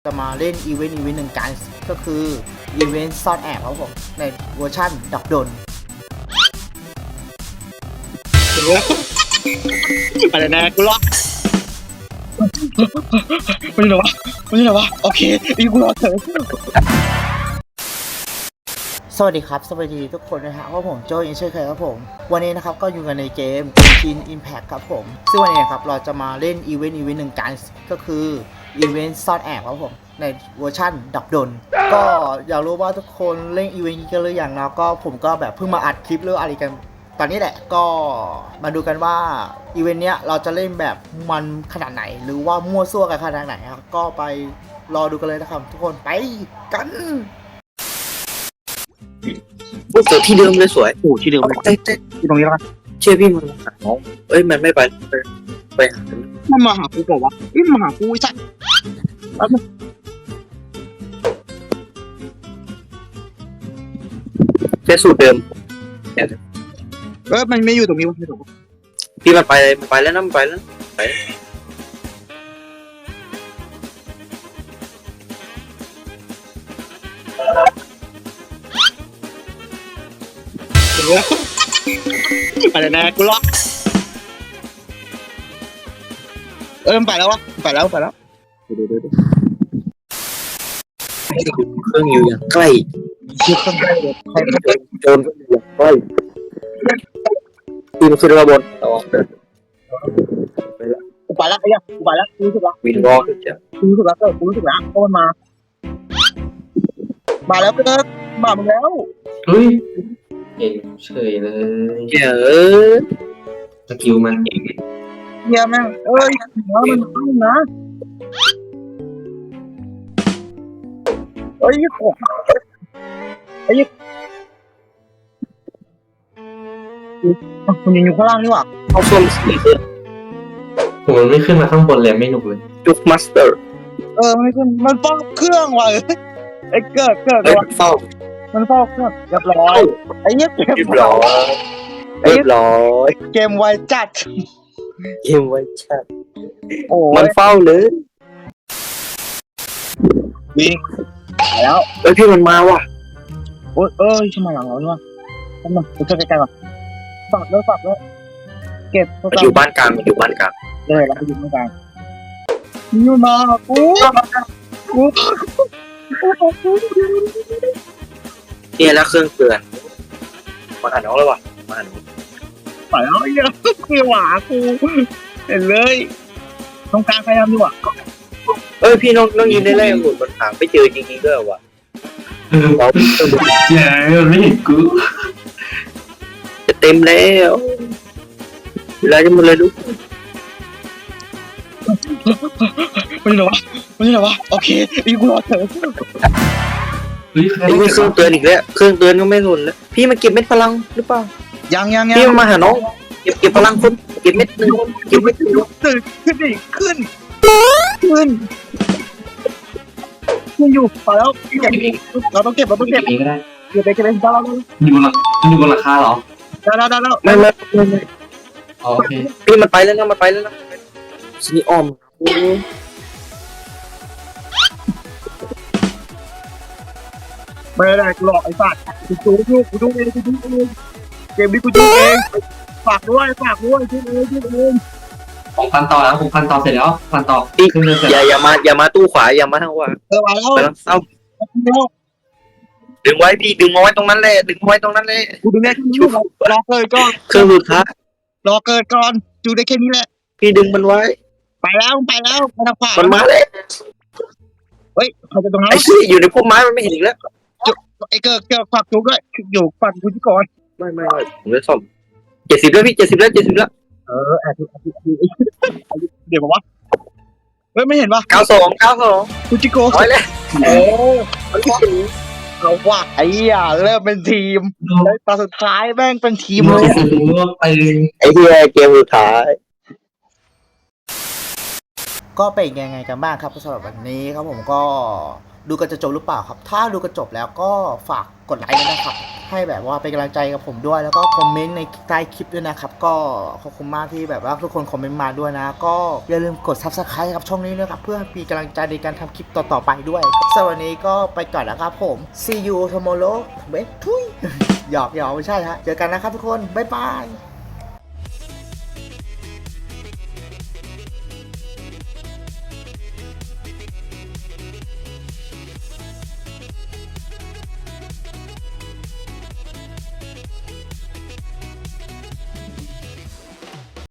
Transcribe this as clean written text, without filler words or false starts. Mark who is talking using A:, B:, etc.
A: จะมาเล่นอีเวนต์หนึ่งกันก็คืออีเวนต์ซ่อนแอบครับผมในเวอร์ชั่นดับดน
B: อะไรนะกูรอดมันอยู่ไหนวะโอเคอีกูรอดเถอะ
A: สวัสดีครับสวัสดีทุกคนนะฮะว่าผมโจยังเช่นเคยครับผมวันนี้นะครับก็อยู่กันในเกม Genshin Impact ครับผมซึ่งวันนี้ครับเราจะมาเล่นอีเวนต์หนึ่งกันก็คืออีเวนต์ซ่อนแอบครับผมในเวอร์ชั่นดับดนก็อยากรู้ว่าทุกคนเล่นอีเวนต์นี้กันหรือยังนะก็ผมก็แบบเพิ่งมาอัดคลิปหรืออะไรกันตอนนี้แหละก็มาดูกันว่าอีเวนต์เนี้ยเราจะเล่นแบบมันขนาดไหนหรือว่ามั่วซั่วกันขนาดไหนครับก็ไปรอดูกันเลยนะครับทุกคนไปกัน
C: พวกเจอที่เดิมเลยสวย
B: โอ้ที่เดิมเลย
C: เต้
B: ที่ตรงนี้แล้วกัน
C: เชื่อพี่มันหาน้องเอ้ยมันไม่ไปหา
B: มันมาหากูบอกว่ามาหากูไอ้สัสแล้วมัน
C: แค่สูตรเดิม
B: มันไม่อยู่ตรงนี้วะไม่ถูก
C: พี่มันไปแล้วนะมันไปแล้วไป
B: อะไรนะกูรอดมันไปแล้ววะไปแล้วเดี๋ยว
C: เครื่องอยู่อย่างใกล้
B: คือข้างใกล้เลย
C: โจรก็อยู่อย่างใกล้พี่มันขึ้นมาบนระวังเดิน
B: กูไปแล้วไอ้ยังกูไปแล้วกูรู้สึกแล้ว
C: วินวอล์กจะ
B: กูรู้สึกแล้วกูรู้สึกแล้วเพราะมันมาแล้วก็มามึงแล้ว
D: เฮ้ยเก่งเฉยเลย
C: เจ๋อ
D: สกิลมันเก่ง
B: เฮียแม่งมันขึ้นนะโอ้มันยังอยู่ข้างล่างนี่หว่า
C: เอาส้มสีเสื้อ
D: ผมมันไม่ขึ้นมาข้างบนเลยไม่หนุกเลย
C: จุกมาสเตอร์
B: มันไม่ขึ้นมันเฝ้าเครื่องว่ะไอ้เกิด
C: เอ้ยเฝ้า
B: มันเฝ้าเครื่องเรียบร้อยไอ้เนี้ยเกม
C: เรียบร้อยเรียบร้อย
B: เกมไวจัด
C: เกมไว้ชัด
B: โอ้
C: มันเฝ้าเลย
B: วิ่งแล้ว
C: เอ้ยพี่มันมาว่ะ
B: ทำไมหลังเราเนี่ยทำไมกูจะใกล้ๆก่อนฝากเลยเก็บ
C: มันอยู่บ้านกลางมันอยู่บ้านกลาง
B: เลยเราไปอยู่ตรงกลางนี่มากู
C: เนี่ยแล้วเครื่องเตือนมาหาน้องแล้วว่ะมาหาน้อง
B: ไปแล้วไอ้เหี้ยคือหวากูเห็นเลยตรงกลางใครทำดีกว่า
C: เอ้ยพี่น้องยืนได้แรกหมดมันหาไม่เจอจริงๆด้วยว่ะเรา
D: เจ๋มันไม่เห็นกู
C: จะเต็มแล้วเวลาจะหมดเลยลูก
B: มันอยู่ไหนวะโอเคอีกูรอเถอะ
D: เฮ้ยใคร
C: ไอ้นี่เครื่องเตือนอีกแล้วเครื่องเตือนก็ไม่สนแล้วพี่มาเก็บเม็ดพลังหรือเปล่า
B: ยัง
C: พี่มาหาน้องเก็บพลังคนเก็บเม็ดหนึ่งเก็บเม็ดหนึ่ง
B: ตื่นขึ้นดิขึ้นอยู่ไปแล้วเก็บเราต้องเก็บ
D: เก็บเองก็ได้
B: เก็บไปได้แล้ว
D: อยู่บนหลังคาเหรอ
B: ได้แล้ว
C: ไม่
D: อ๋อโอเค
C: พี่มันไปแล้วนะสนีออม
B: ไม่ได้หลอกไอ้สัตว์กูดูเองเกมนี้กูดูเองฝากด้วยดูเอง
D: ผมพันต่อแล้วผมพันต่อเสร็จแล้วพันต่อ
C: พี่
D: ขึ้นเรือเสร็จ
C: อย่ามาตู้ขวาอย่ามาทางขวา
B: มาแล้ว
C: ไปแล้วเศร้าดึงไว้พี่ดึงเอาไว้ตรงนั้นเลยดึงเอาไว้ตรงนั้นเลย
B: กูดูได้แค่นี้รอเกิดก่อน
C: เครื่องสุดท้าย
B: รอเกิดก่อนดูได้แค่นี้แหละ
C: พี่ดึงมันไว้
B: ไปแล้วไปทางขวา
C: มันมาเลย
B: เฮ้ยใครจะตรงนั้น
C: ไอ้ที่อยู่ในพุ่มไม้มันไม่เห็นอีกแล้ว
B: ไอ้เกิดฝากจุกด้วยอยู่ฝากกูที่ก่อน
C: ไม่ผมจะซ่อม70แล้วพี่70แล้ว
B: แอบเดี๋ยวบอกว่าเฮ้ยไม่เห็นป่ะ
C: 92
B: กูจิโก้
C: ร้อยแล้ว
B: มันว่าเราว่าไอ้เริ่มเป็นทีมแล้วตอนสุดท้ายแม่งเป็นทีม
D: มั
B: เลย
D: จะรู้ว่าไป
C: ไอ้ที่เกมสุดท้าย
A: ก็เป็นยังไงกันบ้างครับสำหรับวันนี้ครับผมก็ดูกันจะจบหรือเปล่าครับถ้าดูกันจบแล้วก็ฝากกดไลค์ด้วยนะครับให้แบบว่าเป็นกำลังใจกับผมด้วยแล้วก็คอมเมนต์ในใต้คลิปด้วยนะครับก็ขอบคุณมากที่แบบว่าทุกคนคอมเมนต์มาด้วยนะก็อย่าลืมกด Subscribe ครับช่องนี้ด้วยครับเพื่อมีกำลังใจในการทำคลิปต่อๆไปด้วยสำหรับวันนี้ก็ไปก่อนนะครับผม See you tomorrow เบ๊ทุยหยอกไม่ใช่ฮะเจอกันนะครับทุกคนบ๊ายบาย